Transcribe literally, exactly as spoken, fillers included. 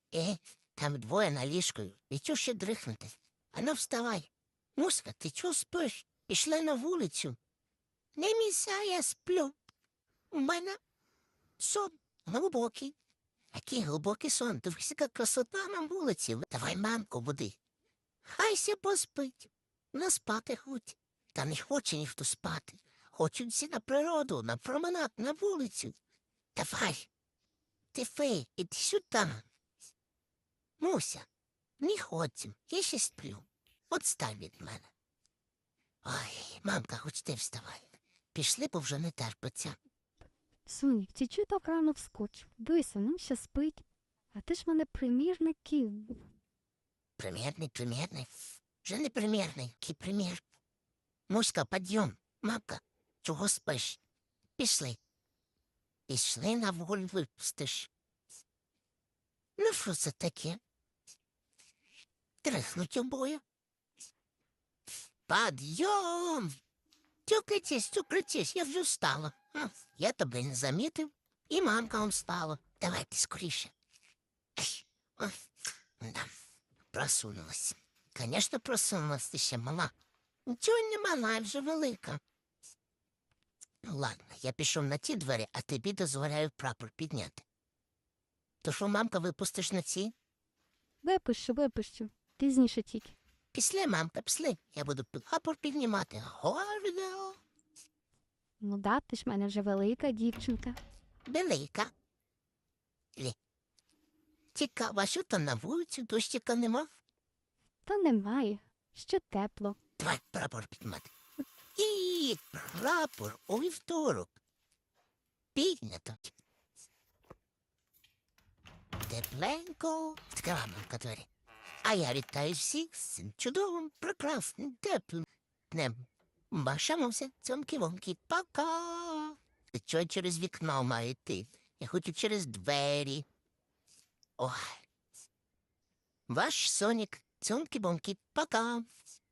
Е, там двоє на ліжку, і чого ще дрихнути? Ану, вставай. Муська, ти чого спиш? Пішли на вулицю. Не міся, я сплю. У мене сон глибокий. Який глибокий сон? Дивись, яка красота на вулиці. Давай мамку буди. Хайся поспить. Не спати хоч. Та не хоче ніхто спати. Хочуть всі на природу, на променад, на вулицю. Давай. Ти фей, іди сюди. Муся, не ходім, я ще сплю. Отстань від мене. Ой, мамка, хоч ти вставай. Пішли, бо вже не терпиться. Сонік, ти чого так рано вскочив? Дивися, нам ще спить. А ти ж мене примірників. Примірний, примірний. Вже не примірний, який примір. Муська, підйом. Мамка, чого спиш? Пішли. Пішли на волю випустиш. Ну, що це таке? Трихнуть обоє. Підйом! Тюкайтесь, тюкайтесь, я вже встала. А, я тебе не замітив, і мамка он встала. Давайте скоріше. Ей, о, да, просунулась. Конечно, просунулась, ти ще мала. Нічого не мала, я вже велика. Ну, ладно, я пішов на ті двері, а тобі дозволяю прапор підняти. То що, мамка, випустиш на ці? Випущу, випущу. Пізніше тільки. Після, мамка, після. Я буду прапор піднімати. Гордо. Ну да, ти ж в мене вже велика дівчинка. Велика. Лі. Цікаво, а що там на вулиці, дощика нема? Та немає. Ще тепло. Давай прапор піднімати. І прапор у вівторок. Піднято. Тепленько. Відкрила мамка двері. А я вітаю всіх з цим чудовим, прекрасним, теплим днем. Башамося, цьомки-вомки, пока. Ти чого через вікно має йти? Я хочу через двері. Ой. Ваш Сонік, цьомки-бомки, пока.